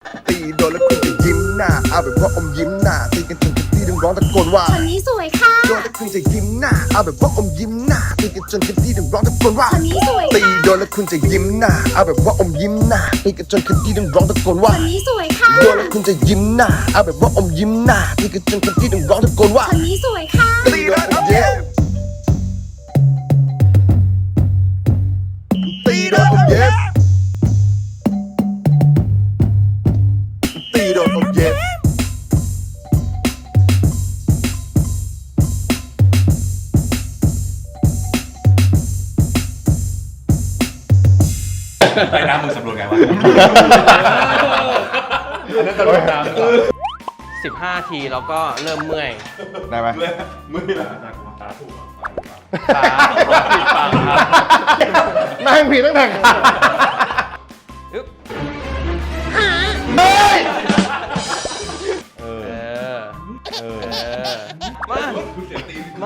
ตีโดนแล้วคุณจะยิ้มหน้าเอาแบบว่าอมยิ้มหน้าตีกันจนที่ต้องร้องตะโกนว่าคนนี้สวยค่ะโดนแล้วคุณจะยิ้มหน้าเอาแบบว่าอมยิ้มหน้าตีกันจนที่ต้องร้องตะโกนว่าคนนี้สวยตีค่ะโดนแล้วคุณจะยิ้มหน้าเอาแบบว่าอมยิ้มหน้าตีกันจนที่ต้องร้องตะโกนคว่านนี้สวยค่ะโดนแล้วคุณจะยิ้มหน้าเอาแบบว่าอมยิ้มหน้าตีกันจนที่ต้องร้องตะโกนว่าคนนี้สวยค่ะตีโดนอมเย็บตีโดนอมเย็บตีโดนอมเย็บไปน้ำมึงสำรวจไงวะอันนั้นตลกน้ำ 15 ทีแล้วก็เริ่มเมื่อยได้ไหมมือเหรอตาถูกขาผิดฝั่งครับนั่งผิดตั้งแต่ขาอึ๊บเฮ้ยเออมา มา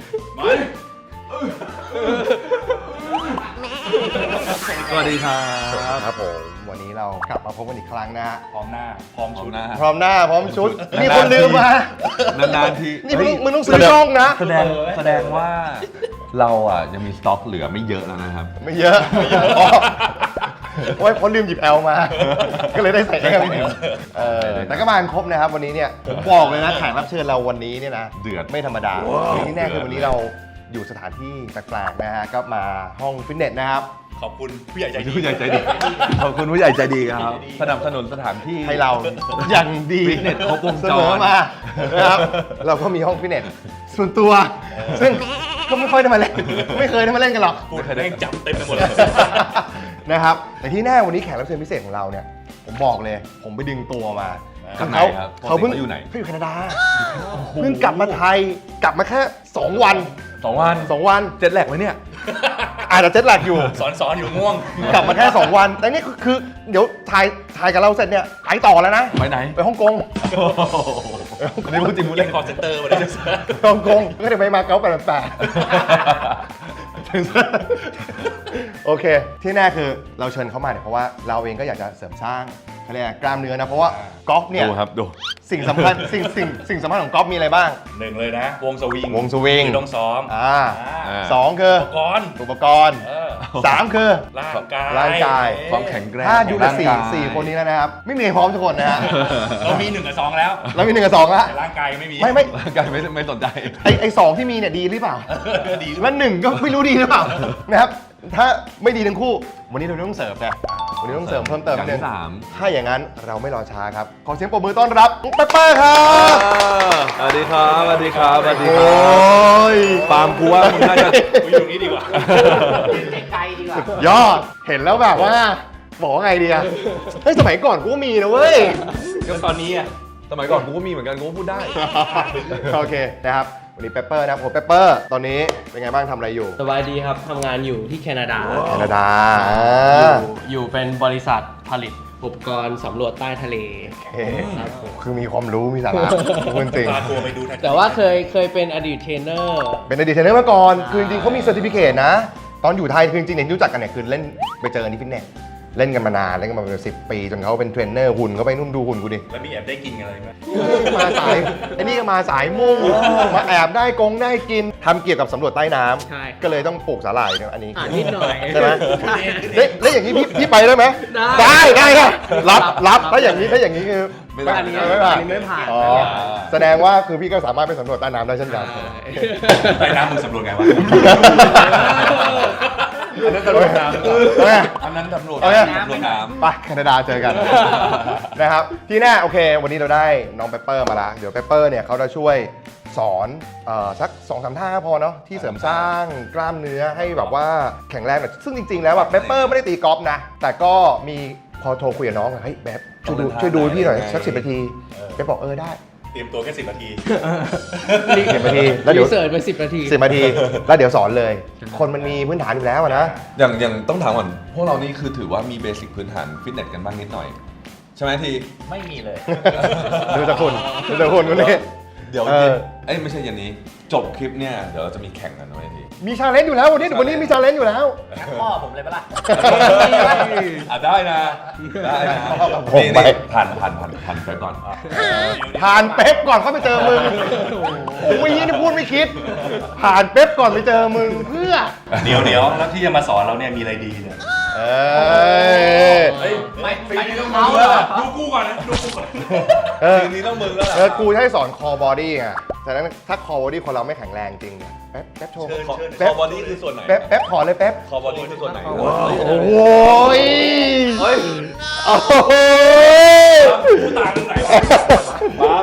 สวัสดีครับผมวันนี้เรากลับมาพบกันอีกครั้งนะฮะพร้อมหน้า พร้อมชุดพร้อมหน้าพร้อมชุดมีคนลืมมานานๆทีนี่มึงต้องซื้อช่องนะแสดงว่าเราอ่ะยังมีสต็อกเหลือไม่เยอะแล้วนะครับไม่เยอะอ๋อโอ้ยเพราะลืมหยิบแอลมา ก็เลยได้ใส่แอลแต่ก็มากันครบนะครับวันนี้เนี่ยผมบอกเลยนะแขกรับเชิญเราวันนี้เนี่ยนะเดือดไม่ธรรมดาที่แน่คือวันนี้เราอยู่สถานที่แปลกๆนะฮะก็มาห้องฟิตเนสนะครับขอบคุณผู้ใหญ่ใจดีผู้ใหญ่ใจดี ขอบคุณผู้ใหญ่ใจดีครับ สนับสนุนสถานที่ให้เราอย่างดีฟิตเนสครบวงจรเสมอมานะครับเราก็มีห้องฟิตเนสส่วนตัว ซึ่งก็ไม่ค่อยได้มาเล่นไม่เคยได้มาเล่นกันหรอกพูดแม่งจับเต็มไปหมดเลยนะครับแต่ที่แน่วันนี้แขกรับเชิญพิเศษของเราเนี่ยผมบอกเลย ผมไปดึงตัวมาจากไหนครับเขาเพิ่งปกติเขาอยู่ไหนเขาอยู่แคนาดาเพิ่งกลับมาไทยกลับมาแค่2 วัน 2 วัน 2 วันเจ็ดแหลกไหมเนี่ยอาจจะเจ็ตแลกอยู่สอนอยู่ง่วงกลับมาแค่ 2 วัน แต่นี่คือเดี๋ยวถ่ายกับเราเสร็จเนี่ยไปต่อแล้วนะไปไหนไปฮ่องกงอันนี้พูดจริงพูดเล่เล่นนคอร์เซนเตอร์มาเลยฮ่องกงก็เดี๋ยวไปมาเก๊า888โอเค ที่แน่คือเราเชิญเขามาเนี่ยเพราะว่าเราเองก็อยากจะเสริมสร้างเขาเรียกกล้ามเนื้อนะเพราะว่ากอล์ฟเนี่ยดูครับดูสิ่งสำคัญสิ่งสำคัญของกอล์ฟมีอะไรบ้างหนึ่งเลยนะ วงสวิงวงสวิงคือต้องซ้อมสองคือก่อนอุปกรณ์เออ 3 คือร่างกายร่างกายความแข็งแกร่งถ้าอยู่ในของร่างกายสี่คนนี้แล้วนะครับ ไม่มีใครพร้อมทุกคนนะฮะเรามี1 กับ 2 แล้วแล้วมี1 กับ 2แล้วแต่ร่างกายยังไม่มีไม่ร่างกายไม่สนใจไอ้2ที่มีเนี่ยดีหรือเปล่าดีด้วยแล้ว1ก็ไม่รู้ดีหรือเปล่านะครับถ้าไม่ดีทั้งคู่ วันนี้เราต้องเสริมนะวันนี้ต้องเสริมเพิ่มเติมอย่างนิดที่นึงสามถ้าอย่างนั้นเราไม่รอช้าครับ ขอเสียงปรบมือต้อนรับน้องเปปเปอร์ครับสวัสดีครับสวัสดีครับสวัสดีคโอ้รับยปาล์มกูว่ามึงน่าจะกูอยู่ตรงนี้ดีกว่ายอดเห็นแล้วแบบว่าบอกว่าไงดีอะเฮ้ยสมัยก่อนกูก็มีนะเว้ยก็ตอนนี้อ่ะสมัยก่อนกูก็มีเหมือนกันกูก็พูดได้โอเคนะครับวันนี้เปปเปอร์นะครับผมเปปเปอร์ตอนนี้เป็นไงบ้างทำอะไรอยู่สบายดีครับ ทำงานอยู่ที่แคนาดาแคนาดาอยู่เป็นบริษัทผลิตอุปกรณ์สำรวจใต้ทะเลโอเคคือมีความรู้มีสาระคุณจริงพาตัวไปดูแท็กแต่ว่าเคยเป็นอดีตเทรนเนอร์เป็นอดีตเทรนเนอร์มาก่อนคือจริงๆเขามีเซอร์ติฟิเคตนะ ตอนอยู่ไทยคือจริงๆเนี่ยรู้จักกันเนี่ยคือเล่นไปเจอกันที่ฟิตเนสเล่นกันมานานเล่นกันมาเป็น10 ปีจนเขาเป็นเทรนเนอร์หุ่นเขาไปนุ่มดูหุ่นกูดิแล้วมีแอบได้กินอะไรไหมมาสายไอ้นี่ก็มาสายมุ่งมาแอบได้กินทำเกี่ยวกับสำรวจใต้น้ใช่ำก็เลยต้องปลูกสาหร่ายเนี่ยอันนี้นิดหน่อยใช่ไหมใช่แล้วอย่างนี้พี่ไปได้ไหมได้ได้ครับรับถ้าอย่างนี้คือไม่ได้อันนี้ไม่ผ่านอันนี้ไม่ผ่านอ๋อแสดงว่าคือพี่ก็สามารถไปสำรวจใต้น้ำได้เช่นกันไปน้ำมึงสำรวจไงวะอันนั้นตลกน้โอเคำอันนั้นตำรวจโอเคตำรวจน้ำไปแคนาดาเจอกัน นะครับที่แน่โอเค วันนี้เราได้น้องเปปเปอร์มาละเดี๋ยวเปปเปอร์เนี่ยเขาจะช่วยสอนสัก2-3 ท่าพอเนาะที่เสริมสร้างกล้ามเนื้อให้แบบว่าแข็งแรงหน่อยซึ่งจริงๆแล้วแบบเปปเปอร์ไม่ได้ตีกอล์ฟนะ แต่ก็มีพอโทรคุยกับน้องอะเฮ้ยแบบช่วยดูพี่หน่อยสัก10 นาทีเปปบอกได้เตรียมตัวแค่10 นาที 10 นาทีแล้วเดี๋รียวเสิร์ชไป10 นาที 10 นาทีแล้วเดี๋ยวสอนเลย คนมันมีพื้นฐานอยู่แล้วอะนะอย่างต้องถามก่อนพวกเรานี่คือถือว่ามีเบสิกพื้นฐานฟิตเนสกันบ้างนิดหน่อย ใช่ไหมทีไม่มีเลยดูจากคุณคนนี้เดี๋ยวเออเอ้ยไม่ใช่เย็นนี้ จบคลิปเนี่ยเดี๋ยวเราจะมีแข่งกันไว้ทีมีชาเลนจ์อยู่แล้ววันนี้มีชาเลนจ์อยู่แล้วงัดข้อผมเลยปะล่ะอ่ะได้นะได้นะผมนี่ไปผ่านไปก่อนผ่านเป๊ปก่อนเข้าไปเจอมึงโอ้ยนี่พูดไม่คิด ผ่านเป๊ปก่อนไปเจอมึงเพื่อเดี๋ยวแล้วที่จะมาสอนเราเนี่ยมีอะไรดีเนี่ยเออไม่ไม่ต้องเอาเมาแล้วอะดูกูก่อนนะดูกูก่อนเออทีนี้ต้องมึงแล้วล่ะกูจะให้สอนคอบอดี้ไงฉะนั้นถ้าคอบอดี้คนเราไม่แข็งแรงจริงเนี่ยแป๊บโชว์คอบอดี้คือส่วนไหนแป๊บขอเลยแป๊บคอบอดี้คือส่วนไหนโอ้โหยเฮ้ยโอ้โหกูตายตรงไหนวะ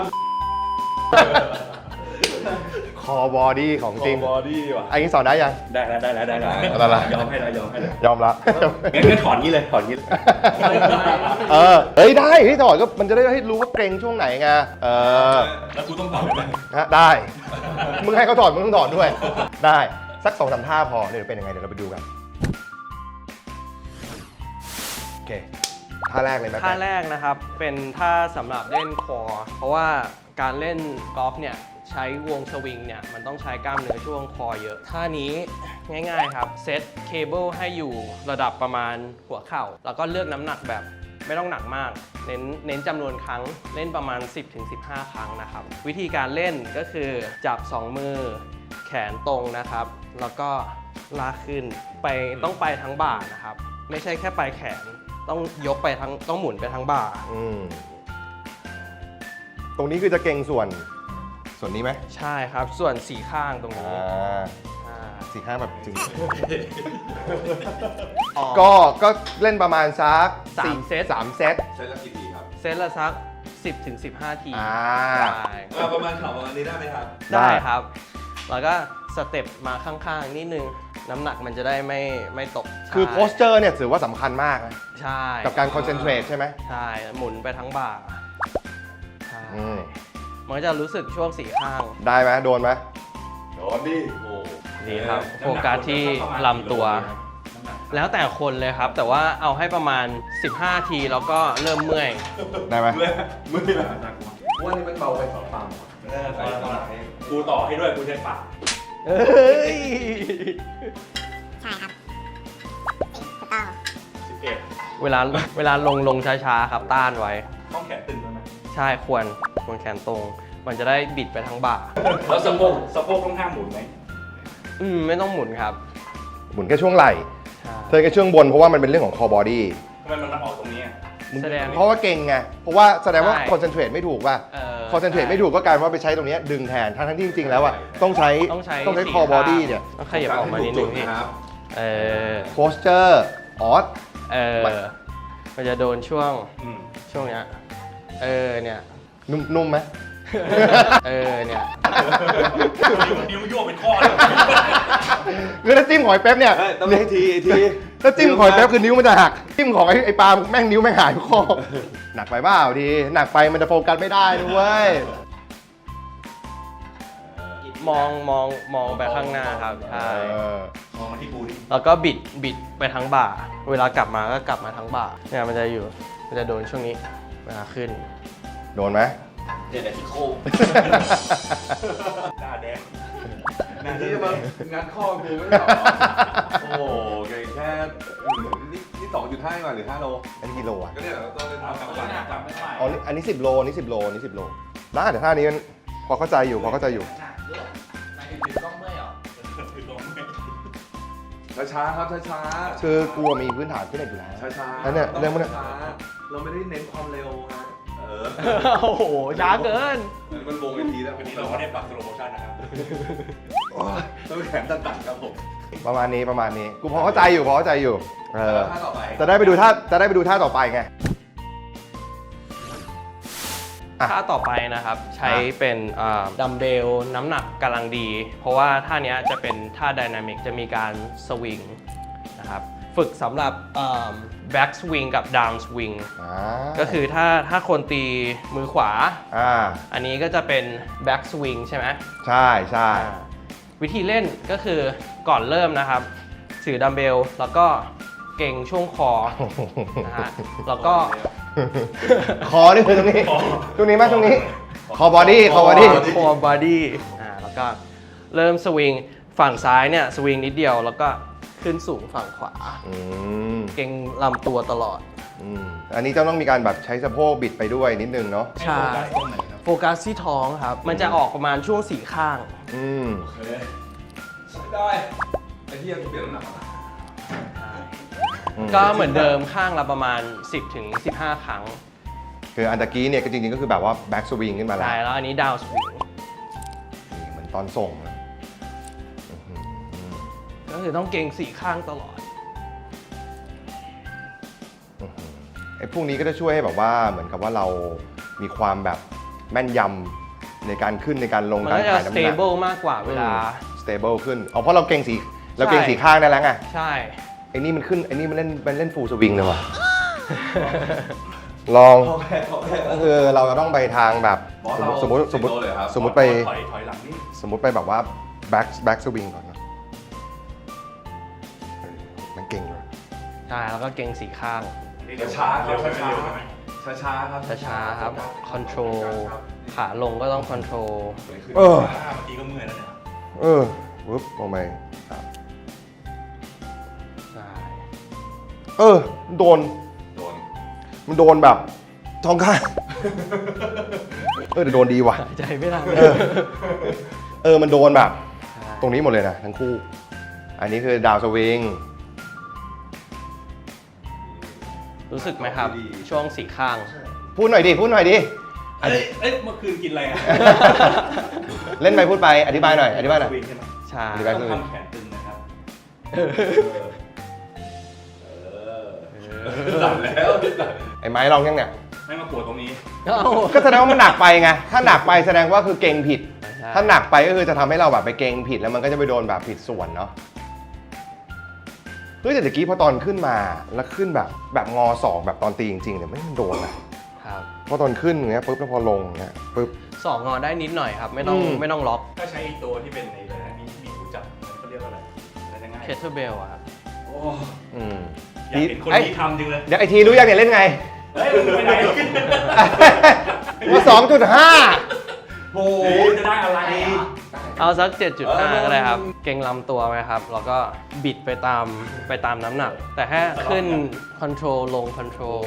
คอบอดี้ของจริงบอดี้ว่ะอันนี้สอนได้ยังได้แล้วเอาละยอมให้แล้วยอมให้แล้วยอมละงั้นถอนงี้เลยถอนงี้เลยเฮ้ยได้ที่ถอดก็มันจะได้ให้รู้ว่าเกรงช่วงไหนไงแล้วกูต้องถอนไหมได้ มึงให้เขาถอดมึงต้องถอดด้วย ได้สัก2-3ท่าพอเดี๋ยวเป็นยังไงเดี๋ยวเราไปดูกันโอเคท่าแรกเลยไหมท่าแรกนะครับเป็นท่าสำหรับเล่นคอเพราะว่าการเล่นกอล์ฟเนี่ยใช้วงสวิงเนี่ยมันต้องใช้กล้ามเนื้อช่วงคอเยอะท่านี้ง่ายๆครับเซตเคเบิลให้อยู่ระดับประมาณหัวเข่าแล้วก็เลือกน้ำหนักแบบไม่ต้องหนักมากเน้นจำนวนครั้งเล่นประมาณ 10-15 ครั้งนะครับวิธีการเล่นก็คือจับ 2 มือแขนตรงนะครับแล้วก็ลากขึ้นต้องไปทั้งบ่านะครับไม่ใช่แค่ปลายแขนต้องยกไปทั้งต้องหมุนไปทั้งบ่าตรงนี้คือจะเกรงส่วนนี้ไหมใช่ครับส่วน4ข้างตรงนี้สี่ข้างแบบจริง ก็เล่นประมาณสัก 3 เซต 3 เซตใช้ละกี่ทีครับเซตละสัก 10-15 ที ได้ประมาณข่าวประมาณนี้ได้ไหมครับได้ครับ แล้วก็สเต็ปมาข้างๆนิดนึง น้ำหนักมันจะได้ไม่ตกคือใช่โพสเจอร์เนี่ยถือว่าสำคัญมากนะใช่กับการคอนเซนเทรตใช่ไหมใช่หมุนไปทั้งบ่าใช่อืมมันก็จะรู้สึกช่วง4ข้างได้ไหมโดนไหมโดนดิโอ้ดีครับโฟกัสที่ลำตัว แล้วแต่คนเลยครับ แต่ว่าเอาให้ประมาณ 15 ทีแล้วก็เริ่มเมื่อยได้ไหมมือละว่านี่มันเบาไปสองปั๊มกูต่อให้ด้วยกูใช้ปากเฮ้ยใช่ครับถูกต้อง 11 เวลาลงช้าๆครับต้านไว้ต้องแขนตึงด้วยไหมใช่ควรแขนตรง มันจะได้บิดไปทั้งบ่าแล้วสะโพกต้องห้ามหมุนไหมไม่ต้องหมุนครับหมุนแค่ช่วงไหล่ใช่เธอแค่ช่วงบนเพราะว่ามันเป็นเรื่องของคอบอดี้ทำไมมันออกตรงนี้อะแสดงเพราะว่าเก่งไง เพราะว่าแสดงว่าใช่คอนเซนเทรตไม่ถูกป่ะ คอนเซนเทรตใช่ไม่ถูกก็กลายว่าไปใช้ตรงเนี้ยดึงแทน ทั้งที่จริงๆแล้วอ่ะต้องใช้ต้องใช้คอบอดี้เนี่ยต้องขยับออกมานิดนึงพี่ครับโพสเจอร์ออสมันจะโดนช่วงอืมเนี้ยเนี่ยนุ่มไหมเนี่ยนิ้วโยกเป็นข้อเลยคือถ้าจิ้มหอยแป๊บเนี่ยต้องให้ทีทีถ้าจิ้มหอยแป๊บคือนิ้วมันจะหัก จิ้มของไอ้ปลาแม่งนิ้วแม่งหายทุกข้อหนักไปเปล่าทีหนักไปมันจะโฟกัสไม่ได้ด้วยมองไปข้างหน้าครับใช่มองมาที่กูดิแล้วก็บิดไปทั้งบ่า เวลากลับมาก็กลับมาทั้งบ่าเนี่ยมันจะโดนช่วงนี้เวลาขึ้นโดนไหมเดี๋ยวที่โค้งหน้าแดงที่จะมางัดข้อกูไม่ได้หรอโอ้โหแค่นี่2.5กว่าหรือ5โลอันนี้กิโลอ่ะก็เนี่ยเราต้องเล่นเอากลับบ้านกลับไม่ไหวอ๋ออันนี้10 โลอันนี้10 โลอันนี้10 โลได้แต่ท่านี้มันพอเข้าใจอยู่หนักด้วยนายถึงต้องเมื่อยเหรอช้าๆครับช้าคือกลัวมีพื้นฐานที่ไหนอยู่แล้วๆช้าๆแล้วเนี่ยเรื่องพวกเนี้ยช้าๆเราไม่ได้เน้นความเร็วฮะโอ้โหช้าเกินมันวงไปทีแล้ววันนี้เราก็ได้ปรับสโลโมชั่นนะครับต้องแขนตัดๆครับผมประมาณนี้กูพอเข้าใจอยู่แล้วท่าต่อไปจะได้ไปดูท่าต่อไปไง อ่ะท่าต่อไปนะครับใช้เป็นดัมเบลน้ำหนักกำลังดี เพราะว่าท่านี้จะเป็นท่าไดนามิกจะมีการสวิงนะครับฝึกสำหรับแบ็กสวิงกับดาวน์สวิงก็คือถ้าคนตีมือขวาอันนี้ก็จะเป็นแบ็กสวิงใช่ไหมใช่ใช่วิธีเล่นก็คือก่อนเริ่มนะครับถือดัมเบลแล้วก็เก่งช่วงคอนะฮะแล้วก็คอนี่คือตรงนี้ไหมตรงนี้ขอ core body core body core body แล้วก็เริ่มสวิงฝั่งซ้ายเนี่ยสวิงนิดเดียวแล้วก็ขึ้นสูงฝั่งขวาอืมเก่งลำตัวตลอดอันนี้จะต้องมีการแบบใช้สะโพกบิดไปด้วยนิดนึงเนาะใช่ โฟกัสที่ท้องครับ มันจะออกประมาณช่วง4ข้างอืมโอเคใช้ได้ไอ้ที่ยังเปลี่ยนน้ำหนักมาก็เหมือนเดิมข้างละประมาณ 10 ถึง 15 ครั้งคืออันตะกี้เนี่ยก็จริงๆก็คือแบบว่าแบ็กสวิงขึ้นมาแล้วใช่แล้วอันนี้ดาวสวิงนี่เหมือนตอนส่งนะก็คือต้องเก่ง4ข้างตลอดไอ้พวกนี้ก็จะช่วยให้แบบว่าเหมือนกับว่าเรามีความแบบแม่นยำในการขึ้นในการลงมันการก็จะถ่ายน้ำหนัก stable มากกว่าเวลา stable ขึ้นเอาเพราะเราเก่งสีข้างได้แล้วไงใช่ไอ้นี่มันขึ้นไอ้นี่มันเล่นฟูลสวิงเลยว่ะ ลองก็คือเราจะต้องไปทางแบบสมมติไปถอยหลังนี่สมมติไปแบบว่าแบ็กสวิงก่อนนะมันเก่งเลยใช่ แล้วก็เก่ง4ข้างช้าๆเร็วช้าเร็วไหมๆช้าๆครับช้าๆครับ control ขาลงก็ต้อง control สวยขึ้นเออเมื่อกี้ก็เมื่อยแล้วเนี่ยวึบลงไปใช่โดนโดนมันโดนแบบท้องข้าง แต่โดนดีว่ะหายใจไม่ทันมันโดนแบบ ตรงนี้หมดเลยนะทั้งคู่ อันนี้คือดาวสวิงรู้สึกไหมครับ ช่วง4ข้างพูดหน่อยดิเอ้ยเมื่อคืนกินอะไรอ่ะเล่นไปพูดไป อธิบายหน่อย อธิบายหน่อยวิ่งใช่ไหมใช่อธิบายต้องทำแขนตึงนะครับสั่นแล้วไอ้ไม้ลองยังเนี่ยให้มาปวดตรงนี้เอ้าก็แสดงว่ามันหนักไปไง ถ้าหนักไปแสดงว่าคือเก่งผิดใช่ถ้าหนักไปก็คือจะทำให้เราแบบไปเก่งผิดแล้วมันก็จะไปโดนแบบผิดส่วนเนาะ เฮ้ยแต่ตะกี้พอตอนขึ้นมาแล้วขึ้นแบบงอศอกแบบตอนตีจริงๆเนี่ยไม่มันโดนนะครับ พอตอนขึ้นอย่างเงี้ยปุ๊บแล้วพอลงอย่างเงี้ยปุ๊บสองงอได้นิดหน่อยครับ ไม่ต้องอืมไม่ต้องล็อกถ้าใช้ตัวที่เป็นในอะไรนะมีหูจับเขาเรียกว่าอะไรอะไรง่าย kettlebell อะครับโอ้อืมอยากเห็นคนนี้ทำจริงเลยเดี๋ยวไอทีรู้ยังเนี่ยเล่นไงเฮ้ยมึงไปไหนว่า2.5 โอ้โหจะได้อะไรเอาสัก 7.5 ก็ได้ครับ เก่งลำตัวไหมครับ แล้วก็บิดไปตามน้ำหนัก แต่แค่ขึ้น control ลง control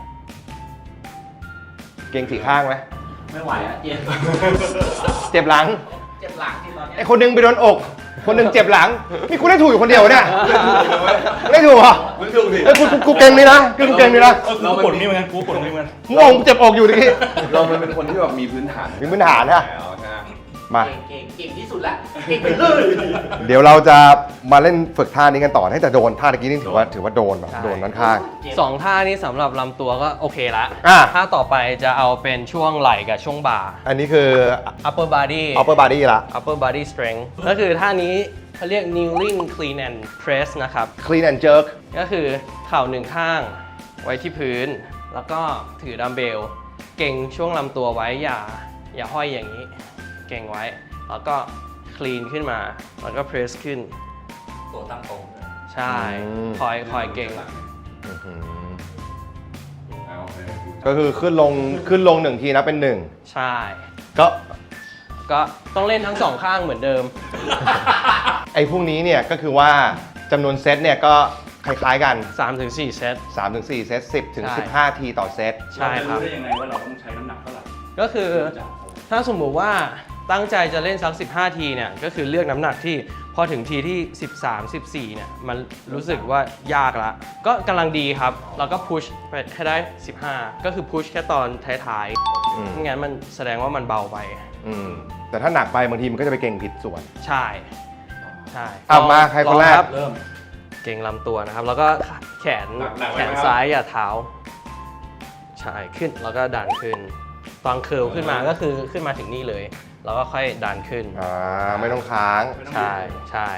เก่งสี่ข้างไหมไม่ไหวอ่ะเจ็บเจ็บหลังเจ็บหลังที่ตอนเนี้ยไอคนหนึงไปโดนอก คนหนึงเจ็บหลังนี่กูได้ถูกอยู่คนเดียวเนี่ยไม่ได้ถูกเหรอไม่ถูกดิเอ้ยกูเก่งนี่นะกูเก่งนี่นะเราปวดนี่เหมือนกันกูปวดนี่เหมือนกันมึงเจ็บอกอยู่ดิเรามันเป็นคนที่แบบมีพื้นฐานมีพื้นฐานนะแล้วใช่ไหมมาเก่งที่สุดละเก่งไปเลยเดี๋ยวเราจะมาเล่นฝึกท่านี้กันต่อให้แต่โดนท่าตะกี้นี่ถือว่าโดนแบบใช่โดนด้านข้างสองท่านี้สำหรับลำตัวก็โอเคละอ่ะท่าต่อไปจะเอาเป็นช่วงไหล่กับช่วงบ่าอันนี้คือ upper body upper body ละ upper body strength ก็คือท่านี้เขาเรียก kneeling clean and press นะครับ clean and jerk ก็คือเข่าหนึ่งข้างไว้ที่พื้น แล้วก็ถือดัมเบล เก่งช่วงลำตัวไว้อย่าห้อยอย่างนี้ เก่งไว้ แล้วก็ clean ขึ้นมา แล้วก็ press ขึ้นตัวตั้งตรงใช่ คอยเก่งอื้อหือโอเคก็คือขึ้นลงหนึ่งทีนะเป็นหนึ่งใช่ก็ก็ต้องเล่นทั้งสองข้างเหมือนเดิมไอ้พวกนี้เนี่ยก็คือว่าจำนวนเซตเนี่ยก็คล้ายๆกัน 3-4 เซต 3-4 เซต 10ถึงใช่ 15 ทีต่อเซตใช่ครับเาจะได้ยังไงว่าเราต้องใช้น้ำหนักเท่าไหร่ก็คือถ้าสมมุติว่าตั้งใจจะเล่นสัก 15 ทีเนี่ย ก็คือเลือกน้ำหนักที่พอถึงทีที่ 13-14 เนี่ย มันรู้สึกว่ายากละ ก็กำลังดีครับ แล้วก็พุชไปให้ได้ 15 ก็คือพุชแค่ตอนท้ายอืมๆไม่งั้นมันแสดงว่ามันเบาไปแต่ถ้าหนักไปบางทีมันก็จะไปเก่งผิดส่วนใช่ ใช่เอามาใครคนแรกลองบเริ่มเก่งลำตัวนะครับ แล้วก็แขนหนักๆไว้แขนนะครับซ้ายอย่าเท้า ใช่ขึ้นแล้วก็ดันขึ้น ตอนเคิร์ลขึ้นมาก็คือขึ้นมาถึงนี่เลย แล้วก็ค่อยดันขึ้นไม่ต้องค้างใช่ใช่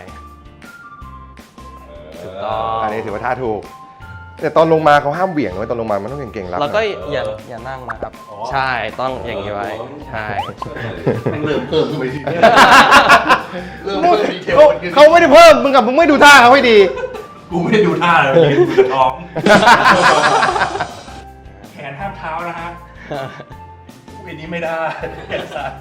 ถูกต้องอันนี้ถือว่าท่าถูก แต่ตอนลงมาเขาห้ามเหวี่ยงไว้ตอนลงมามันต้องเก่งๆรับแล้วก็นะอย่านั่งนะครับ ใช่ต้องอย่างนี้ไว้ ใช่มันเริ่มเพิ่มขึ้นไปทีเขาไม่ได้เพิ่มมึงกับมึงไม่ดูท่าเขาให้ดีกูไม่ได้ดูท่าเลยกูจะท้อง แขนห้ามเท้านะฮะปีนี้ไม่ได้แขนซ้าย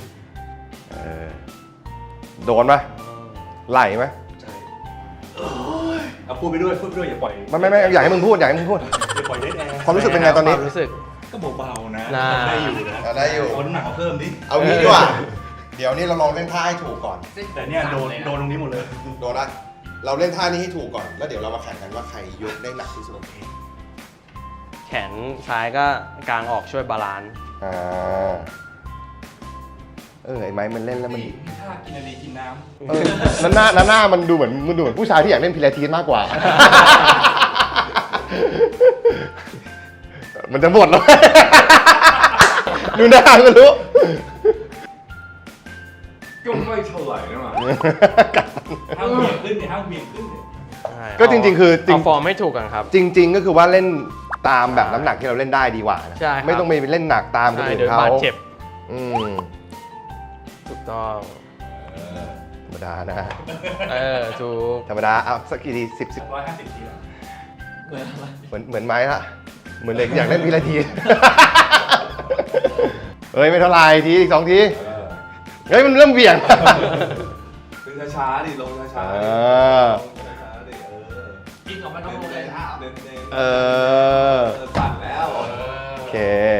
โดนปะไหลไหมใช่เอาพูดไปด้วยอย่าปล่อยไม่อยากให้มึงพูดอยากให้มึงพูดอย่าปล่อยได้แอร์ความรู้สึกเป็นไงตอนนี้ความรู้สึกก็เบาๆนะน่าได้อยู่นะได้อยู่เอาน้ำหนักมาเพิ่มดิเอางี้ดีกว่า เดี๋ยวนี้เราลองเล่นท่าให้ถูกก่อนแต่เนี่ยโดนตรงนี้หมดเลยโดนนะเราเล่นท่านี้ให้ถูกก่อน แล้วเดี๋ยวเรามาแข่งกันว่าใครยกได้หนักที่สุดแขนซ้ายก็กางออกช่วยบาลานซ์ไอ้ไม้มันเล่นแล้วมันนี่ถ้ากินอะไรกินน้หน้ามันดูเหมือนผู้ชายที่อยากเล่นพิลาทิสมากกว่า มันจะหมดแล้ว ดูหน้าก็รู้ก็ไม่เท่าไหร่นะมาำห้ามเบี่ยงขึ้นเนี่ยห้ามเบี่ยงขึ้นเนี่ยใช่ก็จริงๆคือจริงเอาฟอร์มให้ถูกกันครับจริง ๆ ก็คือว่าเล่นตามแบบน้ำหนักที่เราเล่นได้ดีกว่านะใช่ครับไม่ต้องไปเล่นหนักตามคนใช่อื่นเดี๋ยวเขาบาดเจ็บอืมถูกต้องธรรมดานะถูกธรรมดาเอาสักกี่ที10 150 ทีละเหมือนไม้ละเหมือนเด็กอยากเล่นพิลาทิส เฮ้ยไม่เท่าไหร่ทีอีก2 ทีเฮ้ยมันเริ่มเบี่ยงดึงช้าๆดิลงช้าๆเอดิอลงช้าๆดิกินออกมาต้องลงเลยเน้นๆเออสั่นแล้วโอเค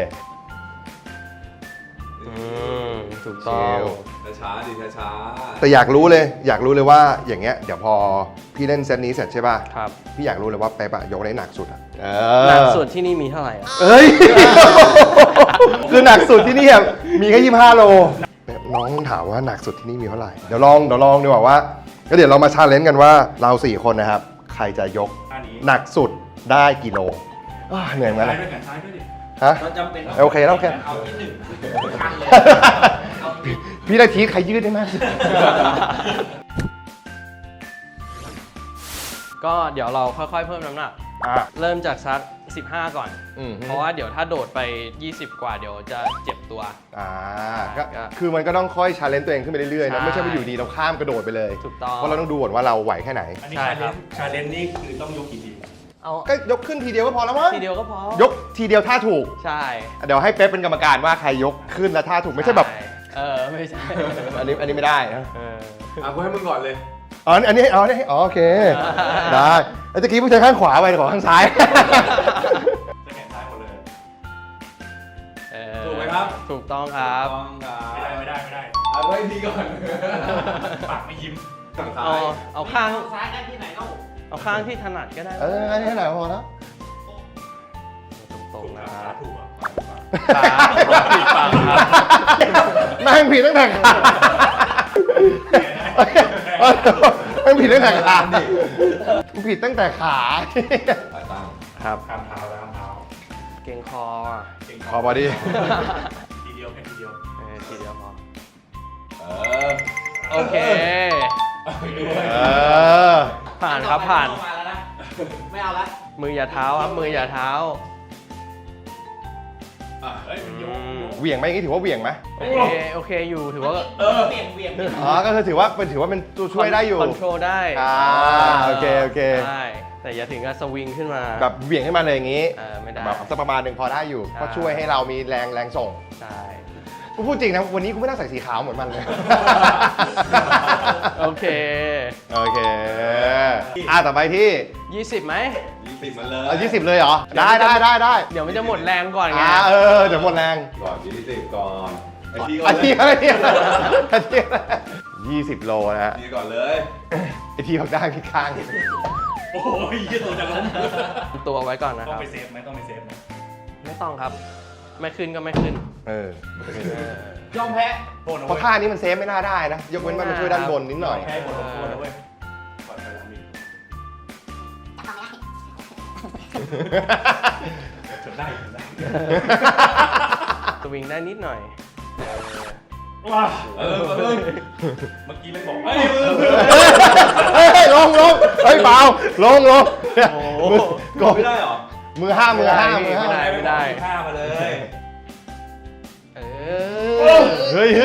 ถูกต้องช้าๆดิช้าๆแต่อยากรู้เลยว่าอย่างเงี้ยเดี๋ยวพอพี่เล่นเซตนี้เสร็จใช่ป่ะครับพี่อยากรู้เลยว่าเป๊ปอะยกได้หนักสุดอะหนักสุดที่นี่มีเท่าไหร่อะเอ้ย คือหนักสุดที่นี่อะมีแค่25 โลน้องถามว่าหนักสุดที่นี่มีเท่าไหร่เดี๋ยวลองดีกว่าว่าก็เดี๋ยวเรามาชาเลนจ์กันว่าเรา4 คนนะครับใครจะยกท่านี้หนักสุดได้กี่โลเหนื่อยเหมือนกันซ้ายนะด้วยกันซ้ายด้วยดิฮะเราจำเป็นโอเคแล้วโอเคเอาที่หนึ่งคันเลยเอาที่พี่นาทีใครยืดได้มากก็เดี๋ยวเราค่อยๆเพิ่มน้ำหนัก เริ่มจากซัก15 ก่อน เพราะว่าเดี๋ยวถ้าโดดไป 20 กว่าเดี๋ยวจะเจ็บตัวก็คือมันก็ต้องค่อยชาเลนจ์ตัวเองขึ้นไปเรื่อยๆนะใช่ไม่ใช่ว่าอยู่ดีเราข้ามกระโดดไปเลยถูกต้องเพราะเราต้องดูก่อนว่าเราไหวแค่ไหนอันนี้ใช่ครับชาเลนจ์นี่คือต้องยกกี่ทีเอาก็ยกขึ้นทีเดียวก็พอแล้วมั้งทีเดียวก็พอยกทีเดียวท่าถูกใช่เดี๋ยวให้เป๊ปเป็นกรรมการว่าใครยกขึ้นและท่าถูกไม่ใช่แบบไม่ใช่อันนี้ไม่ได้นะอ่ะกูให้มึงก่อนเลยอันนี้โอเค ได้ไอ้ตะกี้ผู้ชายข้างขวาไปขอข้างซ้ายจะแขนซ้ายหมดเลยถูกไหมครับถูกต้องครับต้องครับไม่ได้เอาไว้ทีก่อนปากไม่ยิ้มฝั่งซ้าเอายเอาข้างซ้ายได้ที่ไหนเล่าเอาข้างที่ถนัดก็ได้อันนี้ไหนพอแล้วตรงๆนะขาครับถูกอ่ะขาผิดฝั่งครับแม่งผิดตั้งแต่ขาแม่งผิดตั้งแต่ขาผิดตั้งแต่ขาสายตั้งครับข้ามเท้าแล้วข้ามเท้าเก่งคออ่ะเก่งขอบอดี้ทีเดียวแค่ทีเดียวทีเดียวพอเออโอเคไปด้วยผ่านครับผ่านมาแล้วนะไม่เอาละมืออย่าเท้าครับ มืออย่าเท้าเฮ้ยมันยกเหวี่ยงไหมอย่างนี้ถือว่าเหวี่ยงไหมโอเคอยู่ถือว่าเบี่ยงก็คือถือว่าเป็นตัวช่วยได้อยู่คอนโทรลได้โอเคได้แต่อย่าถึงกับสวิงขึ้นมาแบบเหวี่ยงขึ้นมาเลยอย่างนี้ไม่ได้แบบสักประมาณหนึ่งพอได้อยู่ใช่ก็ช่วยให้เรามีแรงส่งใช่กูพูดจริงนะวันนี้กูไม่น่าใส่สีขาวเหมือนมันเลยโอเคต่อไปที่ 20ไหม 20มาเลย 20 เลยเหรอ ได้เดี๋ยวมันจะหมดแรงก่อนไงเดี๋ยวหมดแรงก่อน20ก่อนไอ้ทีก่ออันนเลนี้ยอะไร20 โลนะฮะทีก่อนเลยไอทีบอกได้พี่ข้างโอ้ยยี่ตัวจะล้มตัวไว้ก่อนนะคต้องรับไปเซฟไหมต้องไปเซฟไหมไม่ต้องครับ ไม่ขึ้นก็ไม่ขึ้นยอมแพ้โทษนะเพราะท่านี้มันเซฟไม่น่าได้นะ ยกเว้นว่ามันช่วยด้านบนนิดหน่อยแพ้บทลงโทษนะเว้ยปล่อยไปแล้วมีจนได้สวิงได้นิดหน่อยว้าเออเมื่อกี้ไม่บอกลงเฮ้ยเปล่าลงโอ้กดไม่ได้เหรอมือห้าไม่ได้ข้ามาเลยเฮ้ย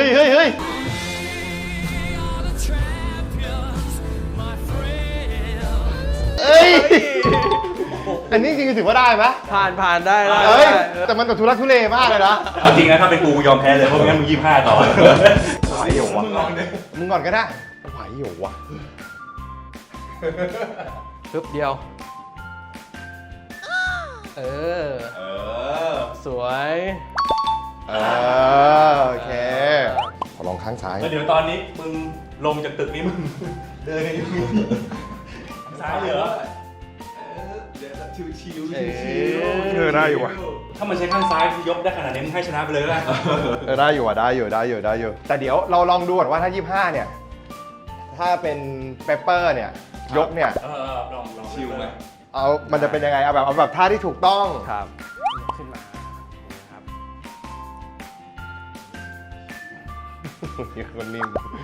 เอ้ยอันนี้จริงๆถือว่าได้ไหมผ่านได้เฮ้ยแต่มันแบบทุรักทุเลมากเลยนะเอาจริงนะถ้าเป็นกูยอมแพ้เลยเพราะงั้นมึง25ต่อไหวอยู่วะมึงก่อนก็ได้ไหวอยู่วะปึ๊บเดียว เออ สวยโอเคขอลองข้างซ้ายแล้วเดี๋ยวตอนนี้มึงลงจากตึกนี้มึงเดินกันอยู่ซ้ายเหรอชิวได้อยู่วะถ้ามันใช้ข้างซ้ายยกได้ขนาดนี้มึงให้ชนะไปเลยก็ได้ได้อยู่อ่ะได้อยู่แต่เดี๋ยวเราลองดูก่อนว่าถ้า 25 เนี่ย ถ้าเป็นเปปเปอร์เนี่ย ยกเนี่ยลองชิวไหมมันจะเป็นยังไงเอาแบบท่าที่ถูกต้องครับ ขึ้นมาครับเป็นคนนิ่ม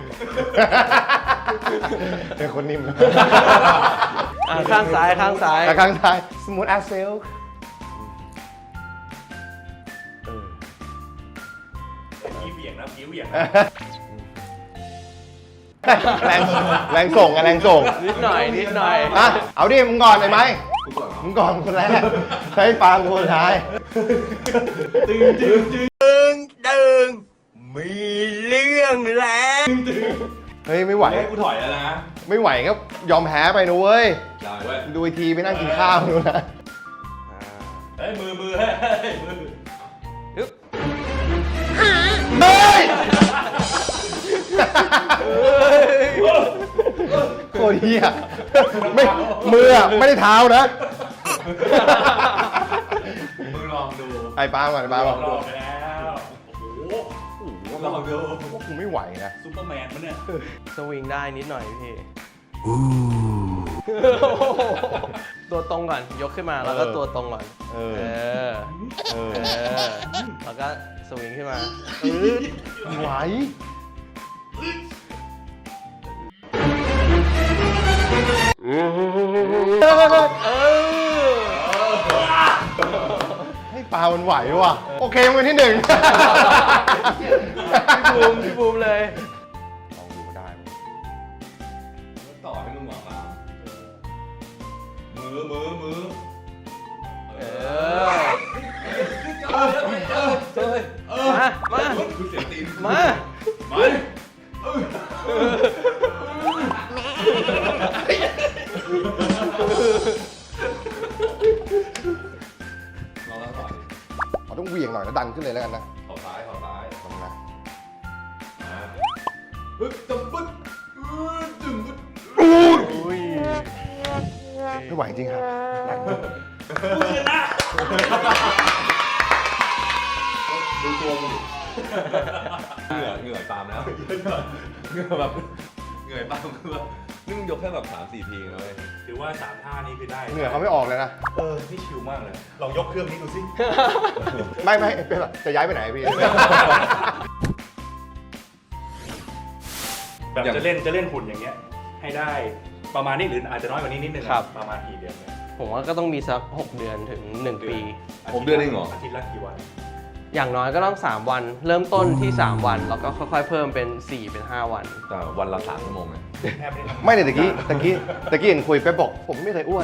เป็นคนนิ่มข้างซ้ายข้างซ้ายแต่ข้างซ้าย smooth as silk พี่เบี่ยงนะพี่เบี่ยงแรงส่งแรงส่งนิดหน่อยอ่ะเอาดิมึงก่อนเลยไหมกูก่อนเหรอมึงก่อนคนแรกใช้ปาล์มคนสุดท้ายเฮ้ยไม่ไหวให้กูถอยแล้วนะไม่ไหวก็ยอมแพ้ไปนะเว้ยได้เว้ยดูอีกทีไปนั่งกินข้าวดูนะเฮ้ยมือเฮ้ยมือเฮ้ยโคตรเฮียไม่มืออะไม่ได้เท้านะมึงลองดูไอ้ปาล์มก่อนไอ้ปาล์มก่อนรอบไปแล้วโอ้โหลองดูว่ากูไม่ไหวนะซุปเปอร์แมนมันเนี่ยสวิงได้นิดหน่อยพี่ตัวตรงก่อน ยกขึ้นมาแล้วก็ตัวตรงก่อนเออแล้วก็สวิงขึ้นมาไหว ให้ปลามันไหวว่ะ โอเคมันเป็นที่หนึ่งพี่บูมเลยลองดูก็ได้ต่อให้มึงหวังมามือเออ มากูเสียตีนมาลองแล้วต่อดิเราต้องเหวี่ยงหน่อยแล้วดันขึ้นเลยแล้วกันนะเข่าซ้ายลองนะมาปึ๊บตึ๊บปึ๊บตึ๊บปึ๊บอุ้ยไม่ไหวจริงครับดูตัวมึงดิเหงื่อตามแล้วเหงื่อแบบเหงื่อตามคือแบบนี่มึงยกแค่แบบ3-4 ทีนะเว้ยถือว่า3ท่านี้คือได้เหงื่อเขาไม่ออกเลยนะนี่ชิลมากเลยลองยกเครื่องนี้ดูสิไม่เป็นไรจะย้ายไปไหนพี่แบบจะเล่นหุ่นอย่างเงี้ยให้ได้ประมาณนี้หรืออาจจะน้อยกว่านี้นิดนึงอะครับประมาณกี่เดือนเนี่ยผมว่าก็ต้องมีสัก6 เดือนถึง 1 ปีผมเดือนเองเหรออาทิตย์ละกี่วันอย่างน้อยก็ต้อง 3 วัน เริ่มต้นที่ 3 วัน แล้วก็ค่อยๆ เพิ่มเป็น 4 เป็น 5 วันแต่วันละ3 ชั่วโมงนะแทบไม่ได้ทำไม่เลยตะกี้เห็นคุยไปบอกผมไม่เคยอ้วน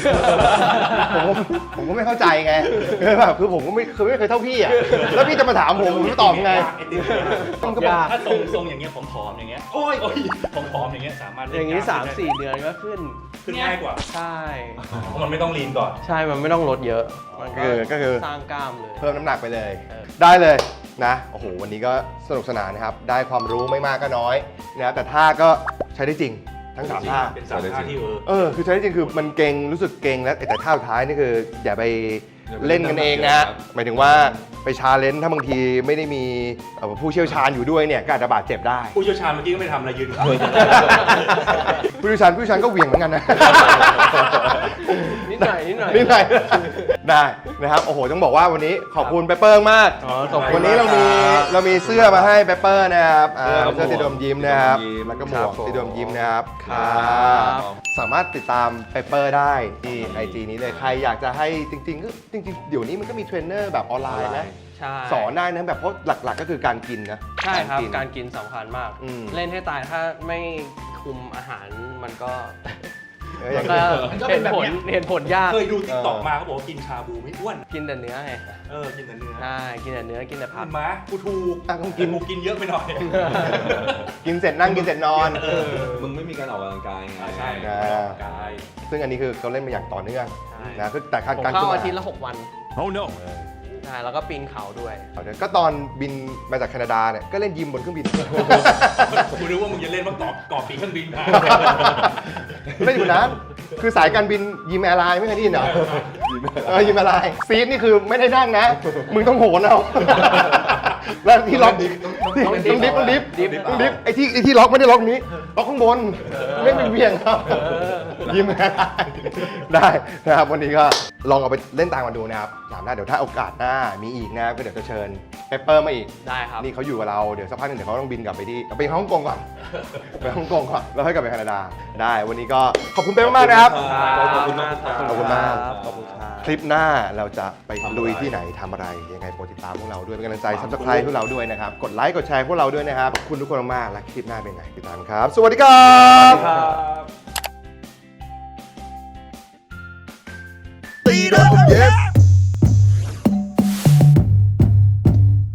ผมก็ไม่เข้าใจไงคือผมก็ไม่เคยเท่าพี่อ่ะ แล้วพี่จะมาถามผมจะตอบไงไอ้ติ๊กเนี่ยมันก็บอกถ้าทรงอย่างเงี้ยผอมๆอย่างเงี้ยโอ้ยผอมๆอย่างเงี้ยสามารถเล่นอย่างนี้กล้มได้ 3-4 เดือนก็ขึ้นขึ้นง่ายกว่าใช่เพราะมันไม่ต้องลีนก่อนใช่ มันไม่ต้องลดเยอะ มันก็คือสร้างกล้ามเลยเพิ่มน้ำหนักไปเลยเออได้เลยนะ โอ้โห วันนี้ก็สนุกสนานนะครับ ได้ความรู้ไม่มากก็น้อยนะแต่ท่าก็ใช้ได้จริง ทั้งสามท่าเป็นสามท่าที่คือใช้ได้จริงคือมันเก่งรู้สึกเก่งแล้วแต่ท่าสุดท้ายนี่คืออย่าไปเล่นกันเองนะ หมายถึงว่าไปชาเลนจ์ถ้าบางทีไม่ได้มีผู้เชี่ยวชาญอยู่ด้วยเนี่ยก็อาจจะบาดเจ็บได้ผู้เชี่ยวชาญเมื่อกี้ก็ไม่ทำอะไรยืนอยู่ผู้เชี่ยวชาญก็เหวี่ยงเหมือนกันนะนิดหน่อยนิดหน่อยได้นะครับโอ้โหต้องบอกว่าวันนี้ขอบคุณเปเปอร์มากขอบคุณวันนี้เรามีเสื้อมาให้เปเปอร์นะครับเสื้อติดมยิ้มนะครับแล้วก็หมวกติดมยิ้มนะครับครับสามารถติดตามเปเปอร์ได้ที่ IG นี้เลยใครอยากจะให้จริงๆเดี๋ยวนี้มันก็มีเทรนเนอร์แบบออนไลน์นะใช่สอนได้นะแบบเพราะหลักๆก็คือการกินนะใช่ครับกินการกินสำคัญมากอืมเล่นให้ตายถ้าไม่คุมอาหารมันก็อย่างก็มันก็เป็เห็นนแบบผลเนี้ยเห็นผลยากเคยดูติ๊กต็อกมาเขาบอกว่ากินชาบูไม่อ้วนกินแต่เนื้อไงกินแต่เนื้อใช่กินแต่เนื้อกินแต่ผักิกนม้ากูถูกต้องกินกูกินเยอะไปหน่อยกินเสร็จนั่งกินเสร็จนอนมึงไม่มีการออกกำลังกายไงใช่อ่ากายซึ่งอันนี้คือเขาเล่นมาอย่างต่อเนื่องใช่นะคือแต่การผมการเข้าขึ้นอาทิตย์มาละ6 วัน Oh no ใช่แล้วก็ปีนเขาด้วยก็ตอนบินมาจากแคนาดาเนี่ยก็เล่นยิมบนเครื่องบินกูนึกว่ามึงจะเล่นว่าเกาะปีกเครื่องบินมาไม่อยู่นั้นคือสายการบินยิมแอร์ไลน์ไม่เคยได้ยินเหรอยิมแอร์ไลน์ซีทนี่คือไม่ได้นั่งนะ มึงต้องโหนเอาแล้วที่ล็อกต้องดิฟไอ้ที่ล็อกไม่ได้ล็อกนี้ล็อกข้างบนไม่เป็นเวียงครับยิมแอร์ไลน์ได้นะครับวันนี้ก็ลองเอาไปเล่นตามกันดูนะครับถามได้เดี๋ยวถ้าโอกาสหน้ามีอีกนะครับก็เดี๋ยวจะเชิญเปเปอร์มาอีกได้ครับนี่เขาอยู่กับเราเดี๋ยวสักพักหนึงเดี๋ยวเขาต้องบินกลับไปที่ไปฮ่องกงก่อน ไปฮ่องกงก่อนแล้วค่อยกลับไปแคนาดาได้วันนี้ก็ขอบคุณเป๊ะมากๆนะครับขอบคุณมากครับขอบคุณมากขอบคุณครับคลิปหน้าเราจะไปลุยที่ไหนทำอะไรยังไงโปรดติดตามพวกเราด้วยเป็นกำลังใจ Subscribe พวกเราด้วยนะครับกดไลค์กดแชร์พวกเราด้วยนะครับขอบคุณทุกคนมากๆและคลิปหน้าเป็นไงติดตามครับ สวัสดีครับครับ